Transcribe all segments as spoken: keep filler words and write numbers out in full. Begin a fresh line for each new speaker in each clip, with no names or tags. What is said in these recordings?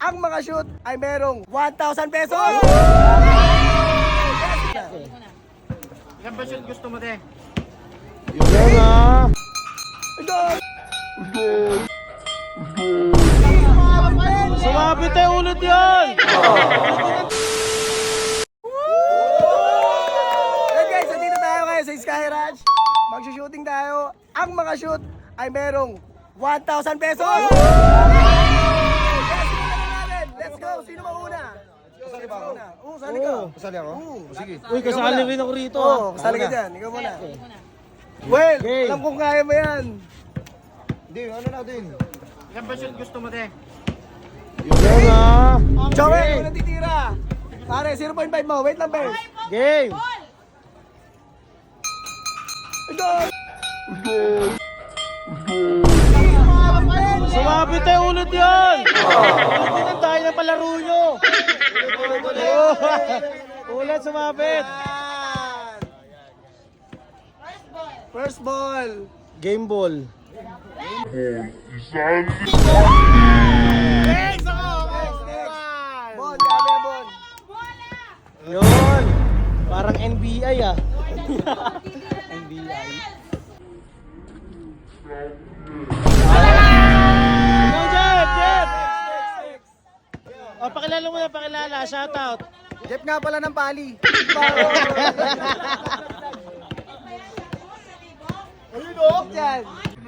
ang mga shoot ay merong one thousand pesos!
Ilan ba shoot gusto mo, te?
Yun ah. Sumabit tayo ulit yan.
Hey guys, nandito tayo ngayon sa Sky Ranch. Magsushooting tayo. Ang mga shoot ay merong one thousand pesos! Yes, simulan na natin. Let's go! Sino mauna? Kasali ba ako? Oo, kasali ka.
Kasali ako?
Oo, sige.
Uy, kasali rin ako rito.
Oo, kasali ka dyan. Ikaw muna. Well,
Okay.
alam kong kaya mo yan.
Hindi, ano natin?
Ilan ba shoot gusto mo, te?
Yun ah.
Joel, kung natitira. Pare, zero point five mo. Wait lang, Ben.
Game. Sumabit tayo ulit yan. Ulit din tayo ng palaro nyo. Ulit sumabit.
First ball.
Game ball.
Next, Bon, gabi, Bon.
Yun. Parang N B I ah. N B I. Go, Jeff! Jeff! O, pakilala mo na, pakilala. Shoutout.
Jeff nga pala ng pali. Ayun o. Yan.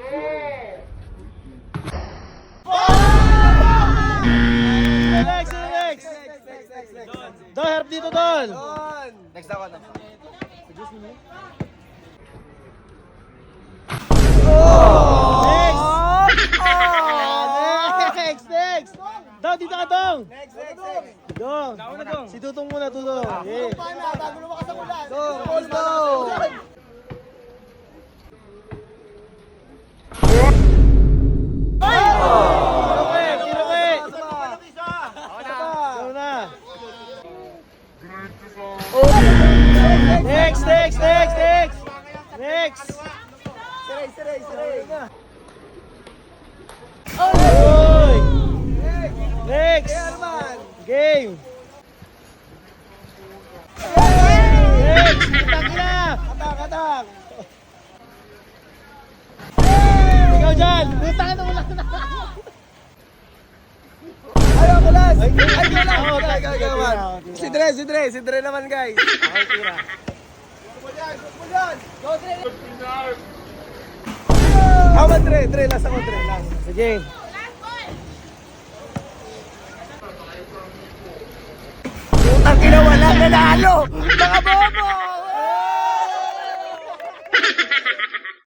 Next, next! Don, harap dito, Don!
Don. Next ako na.
Next! Next, next! Don, dito ka, Don!
Next, next, next.
Don! Si Tutong muna, Tutong. Yeah.
Don, ball go.
Kiroke, kiroke! Go na! Next, next, next, next! Next!
Siray, siray, siray.
Uy!
Next.
Next!
Kaya naman.
Game! Next! Atak na!
Atak, atak.
Ikaw dyan! Puta ka na wala na!
Ayaw ko last.
Ay,
Ay, ko lang.
ako,
Ikaw, ikaw, ikaw naman.
tira, tira.
Si Dre, si Dre, si Dre naman guys.
Ako tira.
Ako Dre, Dre, last ako Dre, last.
Sige.
Putang ina, wala nanalo. Mga bobo.